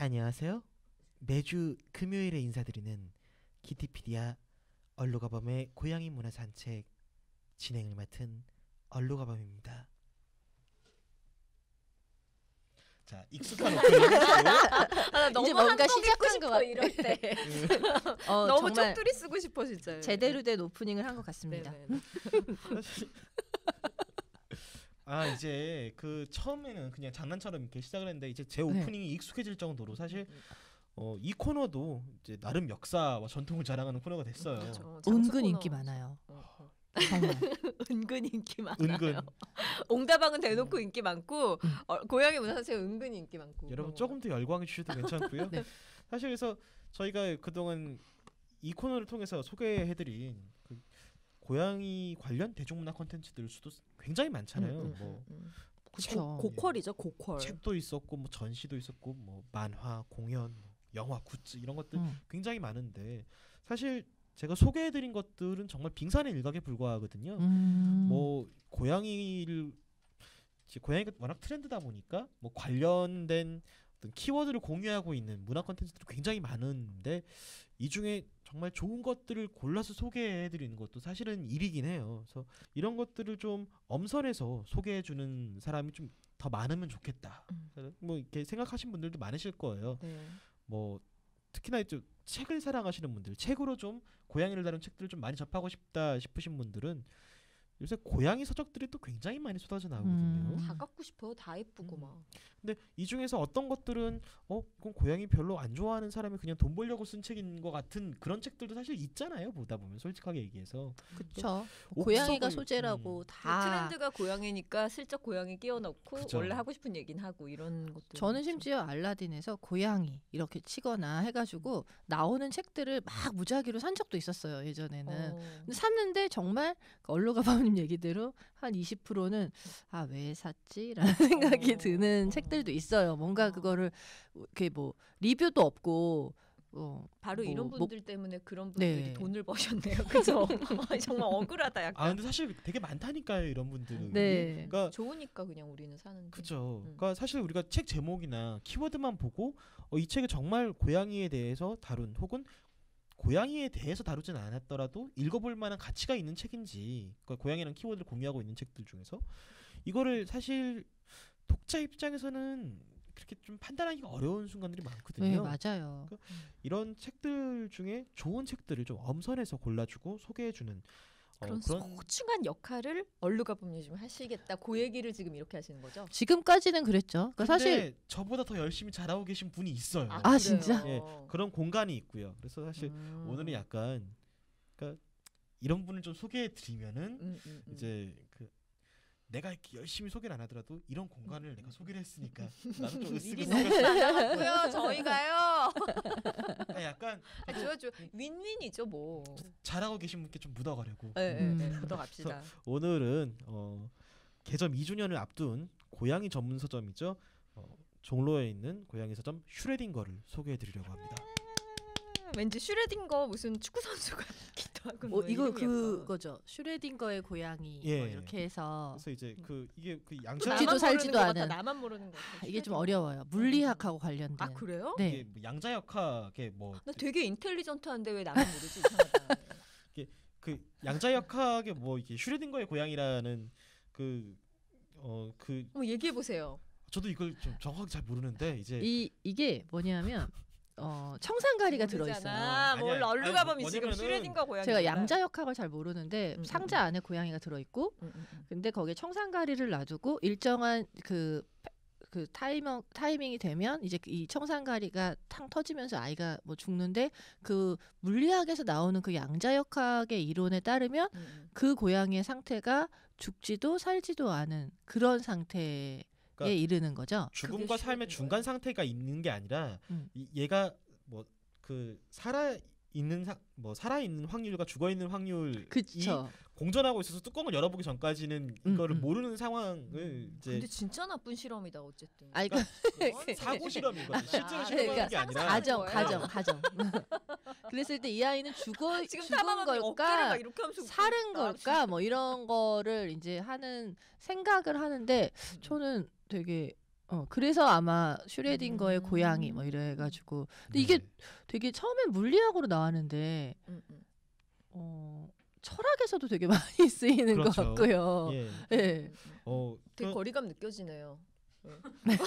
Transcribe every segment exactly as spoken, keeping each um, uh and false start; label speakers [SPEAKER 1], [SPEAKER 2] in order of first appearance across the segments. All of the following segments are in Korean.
[SPEAKER 1] 안녕하세요. 매주 금요일에 인사드리는 키티피디아 얼루가범의 고양이 문화 산책 진행을 맡은 얼루가범입니다. 자, 익숙한 오프닝.
[SPEAKER 2] 아, 너무
[SPEAKER 3] 이제 뭔가
[SPEAKER 2] 시작한 것 같아. 이럴 때.
[SPEAKER 3] 어,
[SPEAKER 2] 너무
[SPEAKER 3] 정말
[SPEAKER 2] 쪽두리 쓰고 싶어 진짜.
[SPEAKER 3] 제대로 된 오프닝을 한 것 같습니다.
[SPEAKER 1] 아, 이제 그 처음에는 그냥 장난처럼 이렇게 시작을 했는데 이제 제 오프닝이 네. 익숙해질 정도로 사실 어, 이 코너도 이제 나름 역사와 전통을 자랑하는 코너가 됐어요.
[SPEAKER 3] 그렇죠. 은근 코너. 인기 많아요.
[SPEAKER 2] 어, 어.
[SPEAKER 3] 정말
[SPEAKER 2] 은근 인기 많아요.
[SPEAKER 1] 은근.
[SPEAKER 2] 옹다방은 대놓고 인기 많고 어, 고양이 문화산책 은근 인기 많고.
[SPEAKER 1] 여러분 조금 더 열광해 주셔도 괜찮고요. 네. 사실 그래서 저희가 그동안 이 코너를 통해서 소개해드린 그 고양이 관련 대중문화 콘텐츠들 수도 굉장히 많잖아요.
[SPEAKER 2] 음, 음,
[SPEAKER 1] 뭐
[SPEAKER 2] 음.
[SPEAKER 3] 그렇죠.
[SPEAKER 2] 고퀄이죠, 고퀄.
[SPEAKER 1] 책도 있었고 뭐 전시도 있었고 뭐 만화, 공연, 영화, 굿즈 이런 것들
[SPEAKER 3] 음.
[SPEAKER 1] 굉장히 많은데 사실 제가 소개해드린 것들은 정말 빙산의 일각에 불과하거든요.
[SPEAKER 3] 음.
[SPEAKER 1] 뭐 고양이를 고양이가 워낙 트렌드다 보니까 뭐 관련된 어떤 키워드를 공유하고 있는 문화 콘텐츠들이 굉장히 많은데 이 중에 정말 좋은 것들을 골라서 소개해드리는 것도 사실은 일이긴 해요. 그래서 이런 것들을 좀 엄선해서 소개해주는 사람이 좀 더 많으면 좋겠다.
[SPEAKER 2] 음.
[SPEAKER 1] 뭐 이렇게 생각하신 분들도 많으실 거예요.
[SPEAKER 2] 네.
[SPEAKER 1] 뭐 특히나 좀 책을 사랑하시는 분들, 책으로 좀 고양이를 다룬 책들을 좀 많이 접하고 싶다 싶으신 분들은 요새 고양이 서적들이 또 굉장히 많이 쏟아져 나오거든요.
[SPEAKER 3] 음.
[SPEAKER 2] 다 갖고 싶어. 다 예쁘고
[SPEAKER 1] 음.
[SPEAKER 2] 막.
[SPEAKER 1] 근데 이 중에서 어떤 것들은 어 이건 고양이 별로 안 좋아하는 사람이 그냥 돈 벌려고 쓴 책인 것 같은 그런 책들도 사실 있잖아요. 보다 보면 솔직하게 얘기해서.
[SPEAKER 3] 그렇죠.
[SPEAKER 1] 옥석을-
[SPEAKER 3] 고양이가 소재라고
[SPEAKER 1] 음.
[SPEAKER 3] 다.
[SPEAKER 2] 트렌드가 고양이니까 슬쩍 고양이 끼워 넣고
[SPEAKER 1] 그죠.
[SPEAKER 2] 원래 하고 싶은 얘기는 하고 이런 것들.
[SPEAKER 3] 저는 심지어 알라딘에서 고양이 이렇게 치거나 해가지고 나오는 책들을 막 무작위로 산 적도 있었어요 예전에는.
[SPEAKER 2] 어.
[SPEAKER 3] 근데 샀는데 정말 얼루가바님 얘기대로 한 이십 퍼센트는 아 왜 샀지라는 생각이
[SPEAKER 2] 어.
[SPEAKER 3] 드는
[SPEAKER 2] 어.
[SPEAKER 3] 책들도 있어요. 뭔가
[SPEAKER 2] 어.
[SPEAKER 3] 그거를 이렇게 뭐 리뷰도 없고 어,
[SPEAKER 2] 바로
[SPEAKER 3] 뭐,
[SPEAKER 2] 이런
[SPEAKER 3] 뭐-
[SPEAKER 2] 분들 때문에 그런 분들이
[SPEAKER 3] 네.
[SPEAKER 2] 돈을 버셨네요. 그죠? 정말 억울하다 약간.
[SPEAKER 1] 아 근데 사실 되게 많다니까요 이런 분들은.
[SPEAKER 3] 네.
[SPEAKER 1] 그러니까
[SPEAKER 2] 좋으니까 그냥 우리는 사는데.
[SPEAKER 1] 그죠.
[SPEAKER 2] 음.
[SPEAKER 1] 그러니까 사실 우리가 책 제목이나 키워드만 보고 어, 이 책이 정말 고양이에 대해서 다룬 혹은 고양이에 대해서 다루진 않았더라도 읽어볼 만한 가치가 있는 책인지 그러니까 고양이라는 키워드를 공유하고 있는 책들 중에서 이거를 사실 독자 입장에서는 그렇게 좀 판단하기가 어려운 순간들이 많거든요.
[SPEAKER 3] 네 맞아요.
[SPEAKER 1] 이런 책들 중에 좋은 책들을 좀 엄선해서 골라주고 소개해주는 어,
[SPEAKER 2] 그런,
[SPEAKER 1] 그런
[SPEAKER 2] 소중한 역할을 얼루가범님 지금 하시겠다. 그 얘기를 지금 이렇게 하시는 거죠?
[SPEAKER 3] 지금까지는 그랬죠. 그러니까
[SPEAKER 1] 근데
[SPEAKER 3] 사실
[SPEAKER 1] 저보다 더 열심히 잘하고 계신 분이 있어요.
[SPEAKER 3] 아,
[SPEAKER 2] 그래요?
[SPEAKER 3] 진짜?
[SPEAKER 1] 예, 그런 공간이 있고요. 그래서 사실
[SPEAKER 2] 음.
[SPEAKER 1] 오늘은 약간 그러니까 이런 분을 좀 소개해 드리면은
[SPEAKER 2] 음, 음, 음.
[SPEAKER 1] 이제 그 내가 이렇게 열심히 소개를 안 하더라도 이런 공간을 내가 소개를 했으니까 나도 좀
[SPEAKER 2] 일이
[SPEAKER 1] 으쓱으쓱
[SPEAKER 2] 너무 많아갖고요. 저희가요.
[SPEAKER 1] 아, 약간
[SPEAKER 2] 아, 좋아 좋아. 윈윈이죠 뭐.
[SPEAKER 1] 잘하고 계신 분께 좀 묻어가려고.
[SPEAKER 2] 네, 네, 네.
[SPEAKER 3] 음.
[SPEAKER 2] 묻어갑시다.
[SPEAKER 1] 오늘은 어, 개점 이 주년을 앞둔 고양이 전문 서점이죠. 어, 종로에 있는 고양이 서점 슈레딩거를 소개해 드리려고 합니다.
[SPEAKER 2] 왠지 슈레딩거 무슨 축구 선수 같기도 하고.
[SPEAKER 3] 어,
[SPEAKER 2] 뭐
[SPEAKER 3] 이거
[SPEAKER 2] 이름이 약간.
[SPEAKER 3] 그거죠. 슈레딩거의 고양이
[SPEAKER 1] 예.
[SPEAKER 3] 뭐 이렇게 해서
[SPEAKER 1] 그래서 이제 그 이게 그
[SPEAKER 2] 또
[SPEAKER 1] 양자
[SPEAKER 3] 죽지도
[SPEAKER 2] 나만
[SPEAKER 3] 살지도
[SPEAKER 2] 모르는 것 같아.
[SPEAKER 3] 않은.
[SPEAKER 2] 나만 모르는 거 같아.
[SPEAKER 3] 이게 좀
[SPEAKER 2] 슈레딩거.
[SPEAKER 3] 어려워요. 물리학하고 관련된.
[SPEAKER 2] 아 그래요?
[SPEAKER 3] 네.
[SPEAKER 1] 이게 뭐 양자역학의 뭐
[SPEAKER 2] 나 되게 인텔리전트한데 왜 나만 모르지? 이상하다.
[SPEAKER 1] 그 양자역학의 뭐 이게 슈레딩거의 고양이라는 그 어 그
[SPEAKER 2] 한번 얘기해 보세요.
[SPEAKER 1] 저도 이걸 좀 정확하게 잘 모르는데 이제
[SPEAKER 3] 이 이게 뭐냐면 어, 청산가리가 들어 있어요.
[SPEAKER 2] 뭘
[SPEAKER 1] 아니야.
[SPEAKER 2] 얼루가범이
[SPEAKER 1] 아니,
[SPEAKER 2] 지금
[SPEAKER 1] 뭐냐면은
[SPEAKER 2] 슈레딩거 고양이.
[SPEAKER 3] 제가 양자역학을 잘 모르는데
[SPEAKER 2] 음,
[SPEAKER 3] 상자 안에 고양이가 들어 있고
[SPEAKER 2] 음, 음, 음.
[SPEAKER 3] 근데 거기에 청산가리를 놔두고 일정한 그, 그 타이밍, 타이밍이 되면 이제 이 청산가리가 탕 터지면서 아이가 뭐 죽는데 그 물리학에서 나오는 그 양자역학의 이론에 따르면
[SPEAKER 2] 음, 음.
[SPEAKER 3] 그 고양이의 상태가 죽지도 살지도 않은 그런 상태에
[SPEAKER 1] 그러니까
[SPEAKER 3] 이르는 거죠.
[SPEAKER 1] 죽음과
[SPEAKER 2] 그게
[SPEAKER 1] 삶의
[SPEAKER 2] 슈레딩거예요?
[SPEAKER 1] 중간 상태가 있는 게 아니라
[SPEAKER 3] 음.
[SPEAKER 1] 이, 얘가 뭐 그 살아 있는 사, 뭐 살아 있는 확률과 죽어 있는 확률이
[SPEAKER 3] 그쵸.
[SPEAKER 1] 공존하고 있어서 뚜껑을 열어보기 전까지는
[SPEAKER 3] 음,
[SPEAKER 1] 이거를
[SPEAKER 3] 음.
[SPEAKER 1] 모르는 상황을 이제
[SPEAKER 2] 근데 진짜 나쁜 실험이다 어쨌든.
[SPEAKER 3] 아니, 그
[SPEAKER 2] 그건
[SPEAKER 1] 사고 실험이거든. 실제로
[SPEAKER 2] 아,
[SPEAKER 1] 실험하는
[SPEAKER 3] 그러니까
[SPEAKER 1] 게 아니라
[SPEAKER 3] 가정,
[SPEAKER 2] 거예요?
[SPEAKER 3] 가정, 가정. 그랬을 때 이 아이는 죽어
[SPEAKER 2] 지금
[SPEAKER 3] 죽은
[SPEAKER 2] 사망하면 어깨를
[SPEAKER 3] 걸까,
[SPEAKER 2] 막 이렇게 하면서
[SPEAKER 3] 살은
[SPEAKER 2] 웃고 있다.
[SPEAKER 3] 걸까, 뭐 이런 거를 이제 하는 생각을 하는데 저는 되게 어 그래서 아마 슈레딩거의
[SPEAKER 2] 음.
[SPEAKER 3] 고양이 뭐 이래가지고 근데
[SPEAKER 1] 네.
[SPEAKER 3] 이게 되게 처음엔 물리학으로 나왔는데
[SPEAKER 2] 음, 음.
[SPEAKER 3] 어 철학에서도 되게 많이 쓰이는 것
[SPEAKER 1] 그렇죠.
[SPEAKER 3] 같고요.
[SPEAKER 1] 예.
[SPEAKER 3] 예.
[SPEAKER 2] 음, 음.
[SPEAKER 1] 어,
[SPEAKER 2] 되게
[SPEAKER 1] 그-
[SPEAKER 2] 거리감 느껴지네요. 네.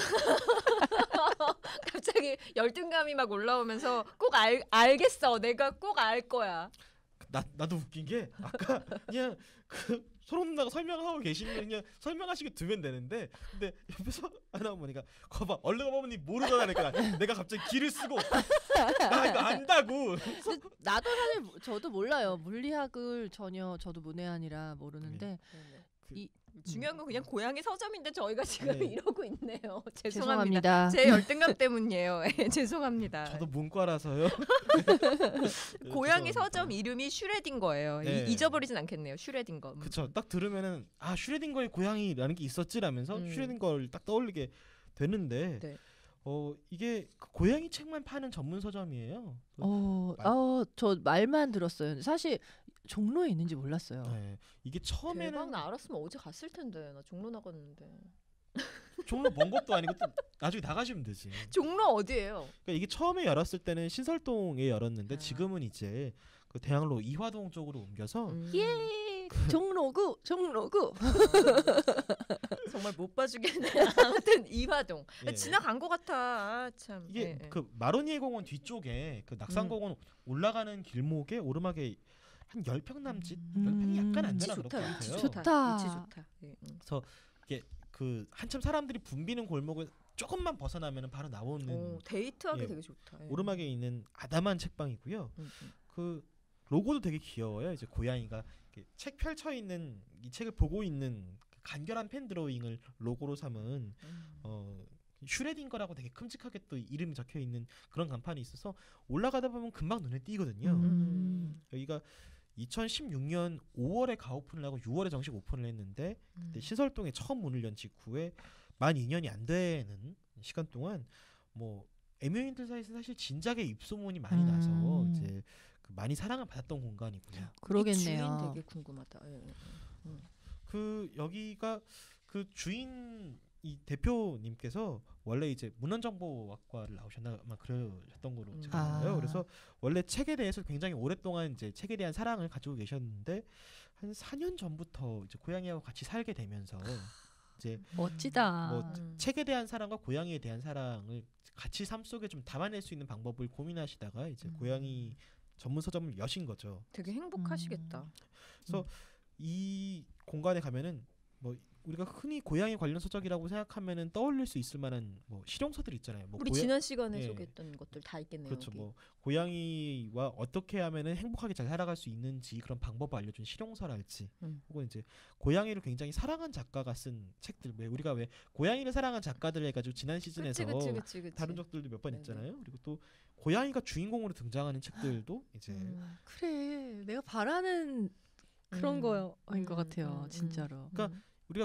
[SPEAKER 2] 갑자기 열등감이 막 올라오면서 꼭 알, 알겠어. 내가 꼭 알 거야.
[SPEAKER 1] 나 나도 웃긴 게 아까 그냥 그 서로 누나가 설명하고 계시면 그냥 설명하시게 두면 되는데 근데 옆에서 하나 어머니가 거봐 얼른 어머니 모르더라니까 내가 갑자기 기를 쓰고 나 이거 안다고.
[SPEAKER 3] 근데 나도 사실 모- 저도 몰라요. 물리학을 전혀 저도 문외한이라 모르는데
[SPEAKER 2] 네네.
[SPEAKER 1] 그-
[SPEAKER 3] 이-
[SPEAKER 2] 중요한 건 그냥 고양이 서점인데 저희가 지금
[SPEAKER 1] 네.
[SPEAKER 2] 이러고 있네요. 죄송합니다.
[SPEAKER 3] 죄송합니다.
[SPEAKER 2] 제 열등감 때문이에요. 예, 죄송합니다.
[SPEAKER 1] 저도 문과라서요.
[SPEAKER 2] 고양이
[SPEAKER 1] 죄송합니다.
[SPEAKER 2] 서점 이름이 슈레딩거예요.
[SPEAKER 1] 네.
[SPEAKER 2] 이- 잊어버리진 않겠네요. 슈레딩거. 음.
[SPEAKER 1] 그쵸. 딱 들으면은 아 슈레딩거의 고양이라는 게 있었지라면서
[SPEAKER 2] 음.
[SPEAKER 1] 슈레딩거를 딱 떠올리게 되는데
[SPEAKER 2] 네.
[SPEAKER 1] 어 이게 그 고양이 책만 파는 전문 서점이에요. 그-
[SPEAKER 3] 어,
[SPEAKER 1] 말-
[SPEAKER 3] 어, 저 말만 들었어요. 사실 종로에 있는지 몰랐어요.
[SPEAKER 1] 네. 이게 처음에는
[SPEAKER 2] 대박 나 알았으면 어제 갔을 텐데 나 종로 나갔는데.
[SPEAKER 1] 종로 먼 것도 아니고 또 나중에 나가시면 되지.
[SPEAKER 2] 종로 어디예요?
[SPEAKER 1] 그러니까 이게 처음에 열었을 때는 신설동에 열었는데
[SPEAKER 2] 아.
[SPEAKER 1] 지금은 이제 그 대학로 이화동 쪽으로 옮겨서
[SPEAKER 2] 음.
[SPEAKER 3] 예, 종로구, 종로구.
[SPEAKER 2] 정말 못 봐주겠네. 아무튼 이화동.
[SPEAKER 1] 예.
[SPEAKER 2] 지나간 것 같아. 아, 참.
[SPEAKER 1] 이게
[SPEAKER 2] 예, 예.
[SPEAKER 1] 그 마로니에 공원 뒤쪽에 그 낙산공원 올라가는 길목에 오르막에 한 십 평 남짓
[SPEAKER 3] 음.
[SPEAKER 1] 십 평이 약간 안
[SPEAKER 2] 위치
[SPEAKER 1] 되나 그럴 것
[SPEAKER 2] 좋다. 위치
[SPEAKER 1] 같아요.
[SPEAKER 2] 좋다.
[SPEAKER 3] 좋다.
[SPEAKER 2] 위치 좋다. 예, 음.
[SPEAKER 1] 그 한참 사람들이 붐비는 골목을 조금만 벗어나면 바로 나오는
[SPEAKER 2] 오, 데이트하기
[SPEAKER 1] 예.
[SPEAKER 2] 되게 좋다. 예.
[SPEAKER 1] 오르막에 있는 아담한 책방이고요.
[SPEAKER 2] 음, 음.
[SPEAKER 1] 그 로고도 되게 귀여워요. 이제 고양이가 이렇게 책 펼쳐 있는 이 책을 보고 있는 그 간결한 펜 드로잉을 로고로 삼은
[SPEAKER 2] 음.
[SPEAKER 1] 어 슈레딩거라고 되게 큼직하게 또 이름이 적혀 있는 그런 간판이 있어서 올라가다 보면 금방 눈에 띄거든요.
[SPEAKER 3] 음.
[SPEAKER 1] 여기가 이천십육 년 오월에 가오픈을 하고 유월에 정식 오픈을 했는데 그때
[SPEAKER 2] 음.
[SPEAKER 1] 신설동에 처음 문을 연 직후에 만 이 년이 안 되는 시간 동안 뭐 애묘인들 사이에서 사실 진작에 입소문이 많이 나서
[SPEAKER 3] 음.
[SPEAKER 1] 이제 그 많이 사랑을 받았던 공간이고요.
[SPEAKER 2] 이
[SPEAKER 3] 그러겠네요.
[SPEAKER 2] 주인 되게 궁금하다. 예, 예. 음.
[SPEAKER 1] 그 여기가 그 주인 이 대표님께서 원래 이제 문헌정보학과를 나오셨나 아마 그러셨던 걸로
[SPEAKER 2] 음.
[SPEAKER 1] 제가 알아요.
[SPEAKER 3] 아.
[SPEAKER 1] 그래서 원래 책에 대해서 굉장히 오랫동안 이제 책에 대한 사랑을 가지고 계셨는데 한 사 년 전부터 이제 고양이하고 같이 살게 되면서 이제
[SPEAKER 3] 멋지다.
[SPEAKER 1] 뭐
[SPEAKER 2] 음.
[SPEAKER 1] 책에 대한 사랑과 고양이에 대한 사랑을 같이 삶 속에 좀 담아낼 수 있는 방법을 고민하시다가 이제
[SPEAKER 2] 음.
[SPEAKER 1] 고양이 전문 서점을 여신 거죠.
[SPEAKER 2] 되게 행복하시겠다.
[SPEAKER 1] 이 공간에 가면은 뭐 우리가 흔히 고양이 관련 서적이라고 생각하면은 떠올릴 수 있을 만한 뭐 실용서들 있잖아요. 뭐
[SPEAKER 2] 우리
[SPEAKER 1] 고야-
[SPEAKER 2] 지난 시간에
[SPEAKER 1] 예.
[SPEAKER 2] 소개했던 것들 다 있겠네요.
[SPEAKER 1] 그렇죠.
[SPEAKER 2] 여기.
[SPEAKER 1] 뭐 고양이와 어떻게 하면은 행복하게 잘 살아갈 수 있는지 그런 방법을 알려준 실용서랄지,
[SPEAKER 2] 음.
[SPEAKER 1] 혹은 이제 고양이를 굉장히 사랑한 작가가 쓴 책들. 왜 우리가 왜 고양이를 사랑한 작가들 해가지고 지난 시즌에서
[SPEAKER 2] 그치, 그치, 그치, 그치.
[SPEAKER 1] 다룬 적들도 몇 번
[SPEAKER 2] 네네.
[SPEAKER 1] 있잖아요. 그리고 또 고양이가 주인공으로 등장하는 책들도 이제
[SPEAKER 2] 음.
[SPEAKER 3] 그래, 내가 바라는 그런
[SPEAKER 2] 음.
[SPEAKER 3] 거인 것
[SPEAKER 2] 음,
[SPEAKER 3] 같아요,
[SPEAKER 2] 음,
[SPEAKER 3] 진짜로.
[SPEAKER 1] 그러니까
[SPEAKER 2] 음.
[SPEAKER 1] 우리가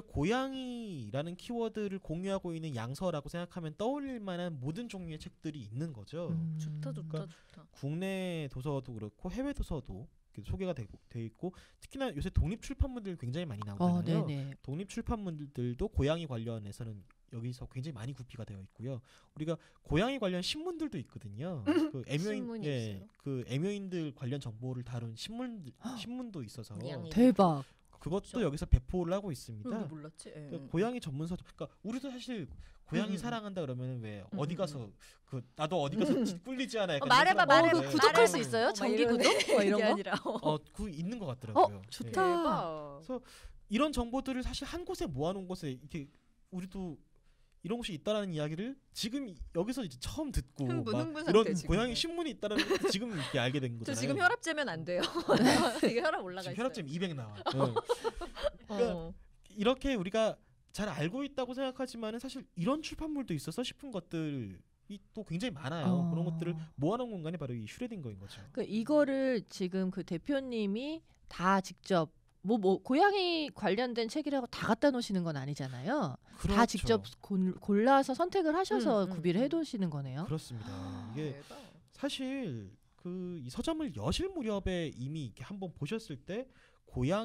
[SPEAKER 1] 고양이라는 키워드를 공유하고 있는 양서라고 생각하면 떠올릴 만한 모든 종류의 책들이 있는 거죠.
[SPEAKER 3] 음.
[SPEAKER 2] 좋다, 좋다,
[SPEAKER 1] 그러니까
[SPEAKER 2] 좋다.
[SPEAKER 1] 국내 도서도 그렇고 해외 도서도 이렇게 소개가 되고 돼 있고, 특히나 요새 독립 출판물들 굉장히 많이
[SPEAKER 3] 어,
[SPEAKER 1] 나오잖아요.
[SPEAKER 3] 네네.
[SPEAKER 1] 독립 출판물들도 고양이 관련해서는 여기서 굉장히 많이 구비가 되어 있고요. 우리가 고양이 관련 신문들도 있거든요. 그 애묘인
[SPEAKER 2] 신문이
[SPEAKER 1] 예,
[SPEAKER 2] 있어요?
[SPEAKER 1] 그 애묘인들 관련 정보를 다룬 신문 신문도 있어서
[SPEAKER 2] 고양이.
[SPEAKER 3] 대박.
[SPEAKER 1] 그것도
[SPEAKER 2] 그렇죠.
[SPEAKER 1] 여기서 배포를 하고 있습니다.
[SPEAKER 2] 우리 몰랐지. 예,
[SPEAKER 1] 그
[SPEAKER 2] 예.
[SPEAKER 1] 고양이 전문 서점. 그러니까 우리도 사실 고양이
[SPEAKER 2] 음, 음.
[SPEAKER 1] 사랑한다 그러면 왜
[SPEAKER 2] 음,
[SPEAKER 1] 어디
[SPEAKER 2] 음,
[SPEAKER 1] 가서 그 나도 어디 가서 꿀리지 않아. 약간
[SPEAKER 2] 어, 말해봐,
[SPEAKER 1] 이런
[SPEAKER 2] 말해봐.
[SPEAKER 1] 생각-
[SPEAKER 3] 어,
[SPEAKER 1] 네.
[SPEAKER 3] 그 구독할
[SPEAKER 2] 말해봐.
[SPEAKER 3] 수 있어요?
[SPEAKER 2] 어,
[SPEAKER 3] 정기
[SPEAKER 2] 막
[SPEAKER 3] 구독?
[SPEAKER 2] 이런
[SPEAKER 3] 뭐 이런
[SPEAKER 2] 게
[SPEAKER 3] 거?
[SPEAKER 2] 아니라.
[SPEAKER 1] 어, 그 있는 것 같더라고요.
[SPEAKER 3] 어,
[SPEAKER 1] 예.
[SPEAKER 3] 좋다.
[SPEAKER 2] 대박.
[SPEAKER 1] 그래서 이런 정보들을 사실 한 곳에 모아놓은 곳에 이렇게 우리도 이런 곳이 있다라는 이야기를 지금 이- 여기서 이제 처음 듣고
[SPEAKER 2] 흥분,
[SPEAKER 1] 막
[SPEAKER 2] 흥분
[SPEAKER 1] 이런
[SPEAKER 2] 상태, 지금.
[SPEAKER 1] 고양이 신문이 있다라는 것도 지금 이렇게 알게 된
[SPEAKER 2] 저
[SPEAKER 1] 거잖아요.
[SPEAKER 2] 지금 혈압 재면 안 돼요. 이게 혈압 올라가
[SPEAKER 1] 지금
[SPEAKER 2] 있어요.
[SPEAKER 1] 혈압점 이백 나와. 응. 그러니까
[SPEAKER 2] 어.
[SPEAKER 1] 이렇게 우리가 잘 알고 있다고 생각하지만은 사실 이런 출판물도 있어서 싶은 것들이 또 굉장히 많아요.
[SPEAKER 3] 어.
[SPEAKER 1] 그런 것들을 모아놓은 공간이 바로 이 슈레딩거인 거죠.
[SPEAKER 3] 그 이거를 지금 그 대표님이 다 직접 뭐, 뭐 고양이 관련된 책이라고 다 갖다 놓으시는 건 아니잖아요.
[SPEAKER 1] 그렇죠.
[SPEAKER 3] 다 직접 골, 골라서 선택을 하셔서
[SPEAKER 2] 음, 음,
[SPEAKER 3] 구비를
[SPEAKER 2] 음.
[SPEAKER 3] 해두시는 거네요.
[SPEAKER 1] 그렇습니다. 이게
[SPEAKER 2] 대박.
[SPEAKER 1] 사실 그 이 서점을 여실 무렵에 이미 이렇게 한번 보셨을 때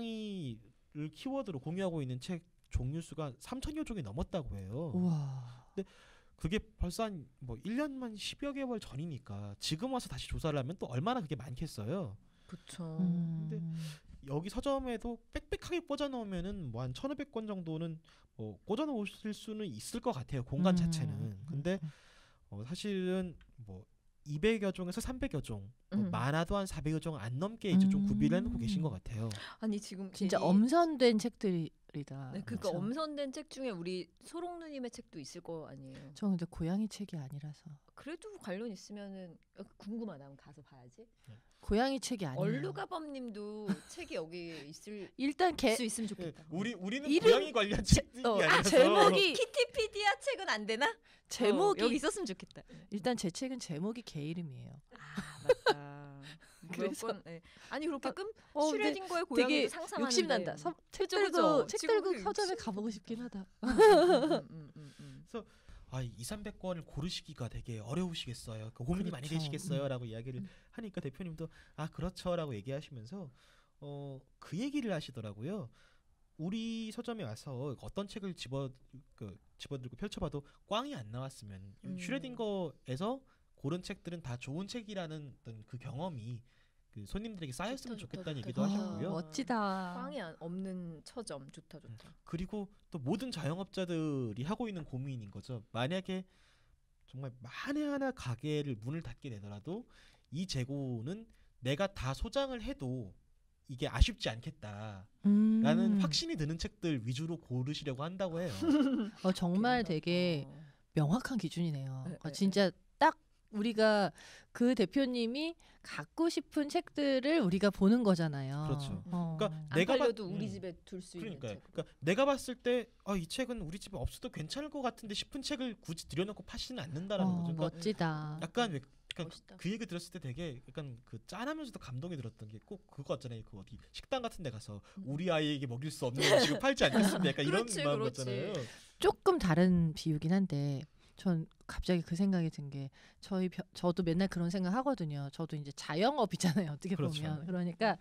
[SPEAKER 1] 고양이를 키워드로 공유하고 있는 책 종류 수가 삼천여 종이 넘었다고 해요.
[SPEAKER 3] 우와.
[SPEAKER 1] 그게 벌써 한 뭐 일 년만 십여 개월 전이니까 지금 와서 다시 조사를 하면 또 얼마나 그게 많겠어요.
[SPEAKER 2] 그렇죠.
[SPEAKER 3] 음.
[SPEAKER 1] 근데 여기 서점에도 빽빽하게 꽂아 놓으면은 뭐 한 천오백 권 정도는 뭐 꽂아 놓으실 수는 있을 것 같아요. 공간
[SPEAKER 3] 음.
[SPEAKER 1] 자체는. 근데 어 사실은 뭐 이백여 종에서 삼백여 종, 뭐
[SPEAKER 2] 음.
[SPEAKER 1] 많아도 한 사백여 종 안 넘게 이제 좀 구비를 해놓고
[SPEAKER 3] 음.
[SPEAKER 1] 계신 것 같아요.
[SPEAKER 2] 아니 지금
[SPEAKER 3] 진짜
[SPEAKER 2] 괜히-
[SPEAKER 3] 엄선된 책들이다.
[SPEAKER 2] 네, 그러니까
[SPEAKER 3] 그렇죠?
[SPEAKER 2] 엄선된 책 중에 우리 소롱누님의 책도 있을 거 아니에요.
[SPEAKER 3] 저 근데 고양이 책이 아니라서
[SPEAKER 2] 그래도 관련 있으면은 어, 궁금하다. 한번 가서 봐야지.
[SPEAKER 3] 고양이 책이 아니에요.
[SPEAKER 2] 얼루가범님도 책이 여기 있을
[SPEAKER 3] 일단 개
[SPEAKER 2] 수 있으면 좋겠다.
[SPEAKER 1] 우리 우리는
[SPEAKER 3] 이름-
[SPEAKER 1] 고양이 관련 책이
[SPEAKER 3] 어,
[SPEAKER 1] 아니라서
[SPEAKER 3] 제목이
[SPEAKER 2] 키티피디아 책은 안 되나?
[SPEAKER 3] 제목이
[SPEAKER 2] 어, 여기 있었으면 좋겠다.
[SPEAKER 3] 일단 제 책은 제목이 개 이름이에요.
[SPEAKER 2] 아 맞다.
[SPEAKER 3] 그래서-
[SPEAKER 2] 그래서 네. 아니 그렇게 끔
[SPEAKER 3] 어, 근데
[SPEAKER 2] 슈레딩거의
[SPEAKER 3] 되게
[SPEAKER 2] 고양이도 상상하는데
[SPEAKER 3] 욕심 난다. 서, 책
[SPEAKER 2] 그죠,
[SPEAKER 3] 들고
[SPEAKER 2] 그죠.
[SPEAKER 3] 책
[SPEAKER 2] 지금
[SPEAKER 3] 들고
[SPEAKER 2] 그게
[SPEAKER 3] 서점에
[SPEAKER 2] 욕심-
[SPEAKER 3] 가보고 싶긴 하다.
[SPEAKER 2] 음, 음, 음, 음, 음.
[SPEAKER 1] 아, 이삼백 권을 고르시기가 되게 어려우시겠어요. 그 고민이 많이
[SPEAKER 3] 그렇죠.
[SPEAKER 1] 되시겠어요라고 이야기를
[SPEAKER 2] 음.
[SPEAKER 1] 하니까 대표님도 아 그렇죠라고 얘기하시면서 어 그 얘기를 하시더라고요. 우리 서점에 와서 어떤 책을 집어 그 집어들고 펼쳐봐도 꽝이 안 나왔으면
[SPEAKER 2] 음.
[SPEAKER 1] 슈레딩거에서 고른 책들은 다 좋은 책이라는 어떤 그 경험이 그 손님들에게 쌓였으면
[SPEAKER 2] 좋다, 좋다,
[SPEAKER 1] 좋겠다는
[SPEAKER 2] 좋다,
[SPEAKER 1] 얘기도
[SPEAKER 2] 좋다.
[SPEAKER 1] 하셨고요.
[SPEAKER 3] 멋지다.
[SPEAKER 2] 꽝이 안- 없는 처점 좋다 좋다.
[SPEAKER 1] 그리고 또 모든 자영업자들이 하고 있는 고민인 거죠. 만약에 정말 만에 하나 가게를 문을 닫게 되더라도 이 재고는 내가 다 소장을 해도 이게 아쉽지 않겠다라는
[SPEAKER 3] 음.
[SPEAKER 1] 확신이 드는 책들 위주로 고르시려고 한다고 해요.
[SPEAKER 3] 어, 정말 되게
[SPEAKER 2] 어.
[SPEAKER 3] 명확한 기준이네요.
[SPEAKER 2] 네,
[SPEAKER 3] 어,
[SPEAKER 2] 네,
[SPEAKER 3] 진짜 딱 우리가 그 대표님이 갖고 싶은 책들을 우리가 보는 거잖아요.
[SPEAKER 1] 그렇죠.
[SPEAKER 3] 어.
[SPEAKER 1] 그러니까
[SPEAKER 2] 안
[SPEAKER 1] 내가
[SPEAKER 2] 팔려도
[SPEAKER 1] 봤-
[SPEAKER 2] 우리
[SPEAKER 1] 음.
[SPEAKER 2] 집에 둘 수 있는
[SPEAKER 1] 그러니까,
[SPEAKER 2] 책.
[SPEAKER 1] 그러니까 내가 봤을 때 아, 이 책은 우리 집에 없어도 괜찮을 것 같은데 싶은 책을 굳이 들여놓고 파시는 않는다라는
[SPEAKER 3] 어,
[SPEAKER 1] 거죠. 그러니까
[SPEAKER 3] 멋지다.
[SPEAKER 1] 약간 왜 그러니까
[SPEAKER 2] 멋있다.
[SPEAKER 1] 그 얘기 들었을 때 되게 약간 그 짠하면서도 감동이 들었던 게 꼭 그거 있잖아요. 그 어디 식당 같은 데 가서
[SPEAKER 2] 음.
[SPEAKER 1] 우리 아이에게 먹일 수 없는 음식을 팔지 않겠습니까? 약간 이런
[SPEAKER 2] 그렇지,
[SPEAKER 1] 마음
[SPEAKER 2] 그렇지.
[SPEAKER 1] 같잖아요.
[SPEAKER 3] 조금 다른 비유긴 한데 전 갑자기 그 생각이 든 게 저희 벼- 저도 맨날 그런 생각 하거든요. 저도 이제 자영업이잖아요. 어떻게
[SPEAKER 1] 그렇죠.
[SPEAKER 3] 보면 그러니까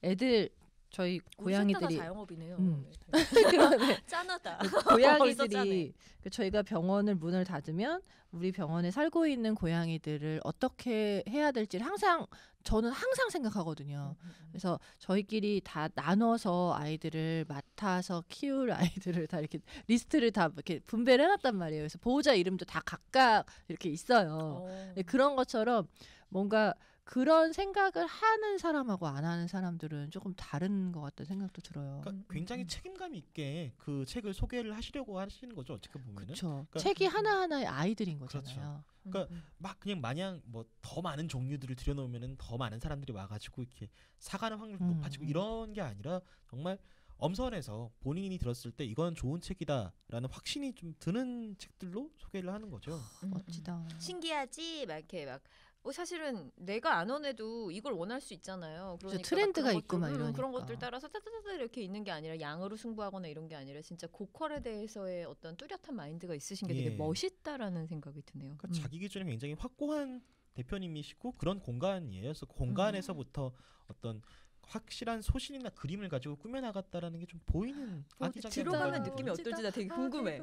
[SPEAKER 3] 애들 저희
[SPEAKER 2] 우리 셋 다가
[SPEAKER 3] 고양이들이
[SPEAKER 2] 자영업이네요.
[SPEAKER 3] 음.
[SPEAKER 2] 네.
[SPEAKER 3] 그러네.
[SPEAKER 2] 짠하다.
[SPEAKER 3] 고양이들이
[SPEAKER 2] 짜네.
[SPEAKER 3] 그 저희가 병원을 문을 닫으면 우리 병원에 살고 있는 고양이들을 어떻게 해야 될지를 항상 저는 항상 생각하거든요.
[SPEAKER 2] 음, 음, 음.
[SPEAKER 3] 그래서 저희끼리 다 나눠서 아이들을 맡아서 키울 아이들을 다 이렇게 리스트를 다 이렇게 분배를 해놨단 말이에요. 그래서 보호자 이름도 다 각각 이렇게 있어요.
[SPEAKER 2] 어.
[SPEAKER 3] 네, 그런 것처럼 뭔가 그런 생각을 하는 사람하고 안 하는 사람들은 조금 다른 것 같다는 생각도 들어요.
[SPEAKER 1] 그러니까
[SPEAKER 2] 음,
[SPEAKER 1] 굉장히
[SPEAKER 2] 음.
[SPEAKER 1] 책임감 있게 그 책을 소개를 하시려고 하시는 거죠. 어떻게 보면은
[SPEAKER 3] 그렇죠.
[SPEAKER 1] 그러니까-
[SPEAKER 3] 책이 하나 하나의 아이들인 거잖아요.
[SPEAKER 1] 그렇죠.
[SPEAKER 2] 음,
[SPEAKER 1] 그러니까
[SPEAKER 2] 음.
[SPEAKER 1] 막 그냥 마냥 뭐 더 많은 종류들을 들여놓으면은 더 많은 사람들이 와가지고 이렇게 사가는 확률도
[SPEAKER 3] 음,
[SPEAKER 1] 높아지고
[SPEAKER 3] 음.
[SPEAKER 1] 이런 게 아니라 정말 엄선해서 본인이 들었을 때 이건 좋은 책이다라는 확신이 좀 드는 책들로 소개를 하는 거죠.
[SPEAKER 2] 음, 음.
[SPEAKER 3] 멋지다.
[SPEAKER 2] 신기하지 막 이렇게 막 어, 사실은 내가 안 원해도 이걸 원할 수 있잖아요. 그러니까 막
[SPEAKER 3] 트렌드가
[SPEAKER 2] 그런
[SPEAKER 3] 있고 막
[SPEAKER 2] 것들, 음, 그런
[SPEAKER 3] 이러니까.
[SPEAKER 2] 것들 따라서 따다다다 이렇게 있는 게 아니라 양으로 승부하거나 이런 게 아니라 진짜 고퀄에 대해서의 어떤 뚜렷한 마인드가 있으신 게 되게
[SPEAKER 1] 예.
[SPEAKER 2] 멋있다라는 생각이 드네요.
[SPEAKER 1] 그러니까
[SPEAKER 2] 음.
[SPEAKER 1] 자기 기준이 굉장히 확고한 대표님이시고 그런 공간이에요. 그래서 공간에서부터 어떤 확실한 소신이나 그림을 가지고 꾸며나갔다라는 게 좀 보이는
[SPEAKER 2] 어,
[SPEAKER 1] 아기자기한
[SPEAKER 2] 들어가면
[SPEAKER 1] 공간이거든요.
[SPEAKER 2] 느낌이 어떨지 나 되게 궁금해.